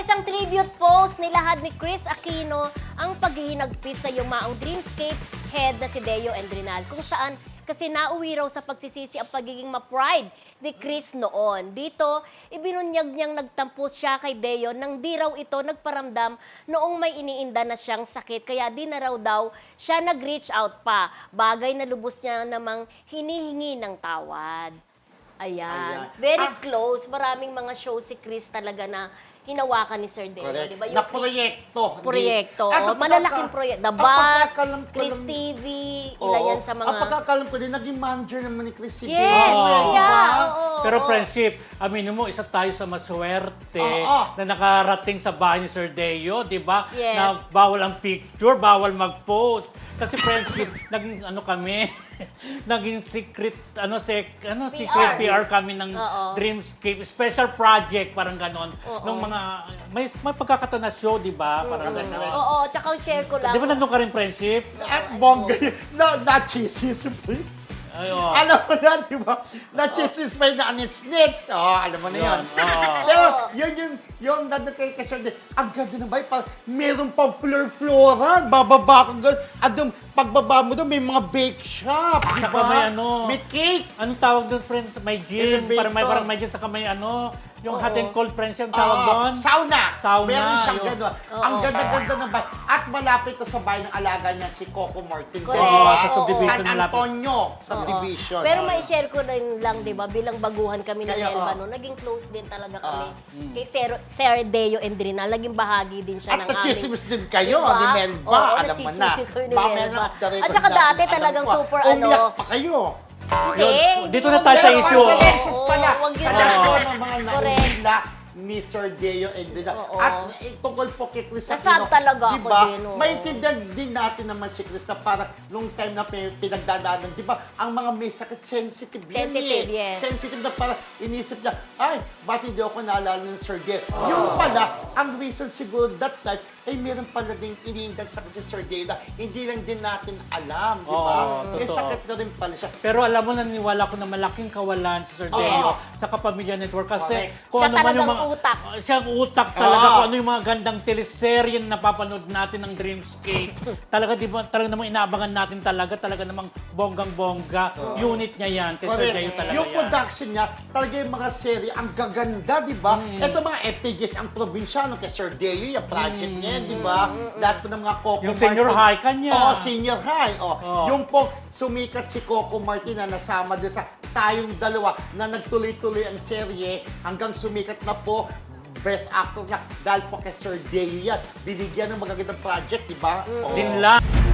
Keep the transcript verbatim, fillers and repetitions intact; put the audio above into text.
isang tribute post nilahad ni Chris Aquino ang paghihinagpis sa yumaong Dreamscape head na si Deo Endrinal, kung saan kasi nauwi raw sa pagsisisi ang pagiging ma-pride ni Chris noon. Dito, ibinunyag niyang nagtampos siya kay Deo nang di raw ito nagparamdam noong may iniinda na siyang sakit. Kaya di na raw daw siya nag-reach out pa. Bagay na lubos niya namang hinihingi ng tawad. Ayan. Ayan. Very Ah. close. Maraming mga show si Chris talaga na hinawakan ni Sir Deo. Correct. Diba? Na proyekto. Hindi- Proyekto. At ang Malalaking pagkaka- proyekto. The ang Bus, pagkakalam ko Chris lang- T V, Oo. ilan yan sa mga... Ang pagkakalam ko din, naging manager naman ni Chris si Yes! Deo, Oo. di Yeah, ba? oo, Pero oo. friendship, aminin mo, isa tayo sa maswerte Oo. na nakarating sa bahay ni Sir Deo, di ba? Yes. Na bawal ang picture, bawal mag-post. Kasi friendship, naging ano kami, naging secret, ano, sec, ano secret P R kami ng Oo. Dreamscape, special project, parang ganon. Oo. Nung mga, may, may pagkakataon na show, di ba? Parang Correct, correct. Oo, tsaka share ko lang. Di ba nandun ka rin friendship? At bongga yun. Na, na-cheeses pa yun. Ay, oo. Alam mo na, di ba? Na-cheeses pa yun na nits-nits. Oo, alam mo na yun. Oo. Pero yun yung, yung nandun kay Kaserde, ang ganda na ba? Parang meron pang fleur-floran. Bababa kang gano'n. At yung pagbaba mo doon, may mga bake shop. Di Saka ba? may ano. May cake. Anong tawag doon, friends? May gym. Elevator. Parang may, parang may gym. Saka may ano, yung Oo. hot and cold friends yung tawag Oo, doon. Sauna. Sauna, Meron siyang yun. gano'n. Oo. Ang ganda-ganda ng bahay. At malapit to sa bahay ng alaga niya, si Coco Martin. Correct. Di ba? Oo, sa subdivision San malapit. Antonio, Oo. subdivision. Pero may share ko rin lang, di ba, bilang baguhan kami ng Kaya, Elba oo. noon, naging close din talaga kami mm. kay Sir, Sir Deo Endrinal. Naging bahagi din siya At ng aming... nagchismis din kayo Diba? ni Melba, Oo, alam mo na. nagchismis kami ni Mamaya Melba. na off the record At saka natin, dati alam talagang ko, super ano... Umiyak pa kayo. Hindi. Dito na tayo sa Pero issue. condolences pala Oo, wag yun. sa lahat Oo. ng mga Correct. naumila ni Sir Deo and Dina. Oo. At eh, tungkol po kay Chris Nasad talaga ako diba, din, oo. maintindihan din natin naman si Chris na parang nung time na pi- pinagdadaanan, di ba, ang mga may sakit, sensitive yan Sensitive, eh. yes. Sensitive na parang inisip niya, ay, ba't hindi ako naalala ng Sir Deo? Yung pala, ang reason siguro that time, ay meron pala din iniindag sa si Sir Deo na hindi lang din natin alam, di ba? Oo, May totoo. sakit na rin pala siya. Pero alam mo, naniwala ko na malaking kawalan si Sir Oo. Deo sa Kapamilya Network kasi Correct. kung Siya ano man yung talagang mga utak. Uh, siya ang utak talaga Oo. kung ano yung mga gandang teleserye na napapanood natin ng Dreamscape. talaga di ba talaga namang inaabangan natin talaga talaga namang bonggang-bongga. Unit niya yan kay Sir Correct. Deo talaga Yung yan. production niya, talaga yung mga serye, ang gaganda, di ba? Mm. Ito mga F P Gs, ang probinsyano kay Sir Deo, yung project niya, di ba? Lahat po ng mga Coco Mm. Yung senior Martin. high kanya. Oo, senior high. Oh. Oo. Yung po sumikat si Coco Martin na nasama doon sa tayong dalawa na nagtuloy-tuloy ang serye hanggang sumikat na po best actor niya dahil po kay Sir Deo yan. Binigyan ng magagandang project, di ba? Oo. Din lang.